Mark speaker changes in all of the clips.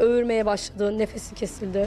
Speaker 1: öğürmeye başladı, nefesi kesildi.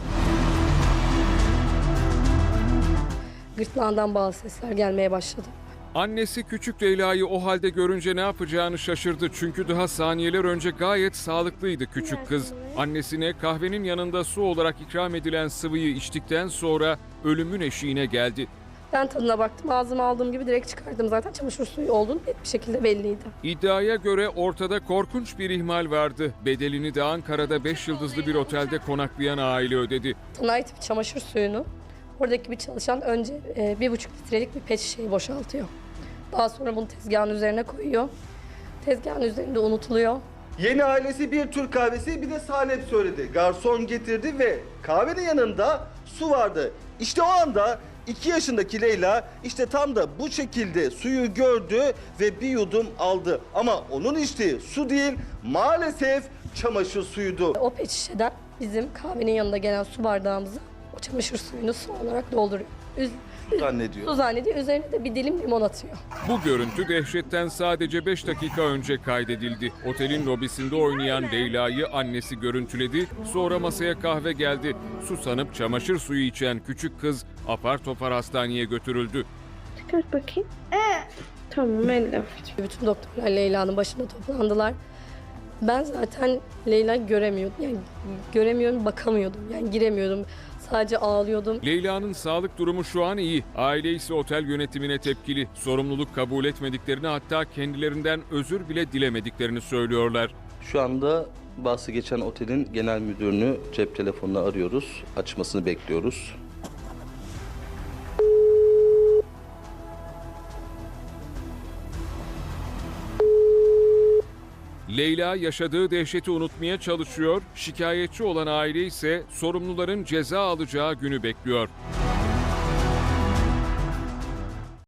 Speaker 1: Gırtlağından bazı sesler gelmeye başladı.
Speaker 2: Annesi küçük Leyla'yı o halde görünce ne yapacağını şaşırdı. Çünkü daha saniyeler önce gayet sağlıklıydı küçük kız. Annesine kahvenin yanında su olarak ikram edilen sıvıyı içtikten sonra ölümün eşiğine geldi.
Speaker 1: Ben tadına baktım, ağzıma aldığım gibi direkt çıkardım. Zaten çamaşır suyu olduğunu net bir şekilde belliydi.
Speaker 2: İddiaya göre ortada korkunç bir ihmal vardı. Bedelini de Ankara'da 5 yıldızlı bir otelde konaklayan aile ödedi.
Speaker 1: Sanayi tipi çamaşır suyunu oradaki bir çalışan önce 1,5 litrelik bir pet şişeyi boşaltıyor. Daha sonra bunu tezgahın üzerine koyuyor. Tezgahın üzerinde unutuluyor.
Speaker 3: Yeni ailesi bir Türk kahvesi bir de salep söyledi. Garson getirdi ve kahvenin yanında su vardı. İşte o anda 2 yaşındaki Leyla işte tam da bu şekilde suyu gördü ve bir yudum aldı. Ama onun içtiği su değil, maalesef çamaşır suyuydu.
Speaker 1: O pet şişeden bizim kahvenin yanında gelen su bardağımıza o çamaşır suyunu su olarak dolduruyor.
Speaker 3: Zannediyor.
Speaker 1: Su zannediyor. Üzerine de bir dilim limon atıyor.
Speaker 2: Bu görüntü dehşetten sadece 5 dakika önce kaydedildi. Otelin lobisinde oynayan Leyla'yı annesi görüntüledi. Sonra masaya kahve geldi. Susanıp çamaşır suyu içen küçük kız apar topar hastaneye götürüldü.
Speaker 4: Çıkart bakayım. Tamam elle.
Speaker 1: Bütün doktorlar Leyla'nın başında toplandılar. Ben zaten Leyla'yı göremiyordum. Yani göremiyorum, bakamıyordum. Yani giremiyordum. Sadece ağlıyordum.
Speaker 2: Leyla'nın sağlık durumu şu an iyi. Aile ise otel yönetimine tepkili. Sorumluluk kabul etmediklerini, hatta kendilerinden özür bile dilemediklerini söylüyorlar.
Speaker 3: Şu anda bahsi geçen otelin genel müdürünü cep telefonuna arıyoruz. Açmasını bekliyoruz.
Speaker 2: Leyla yaşadığı dehşeti unutmaya çalışıyor. Şikayetçi olan aile ise sorumluların ceza alacağı günü bekliyor.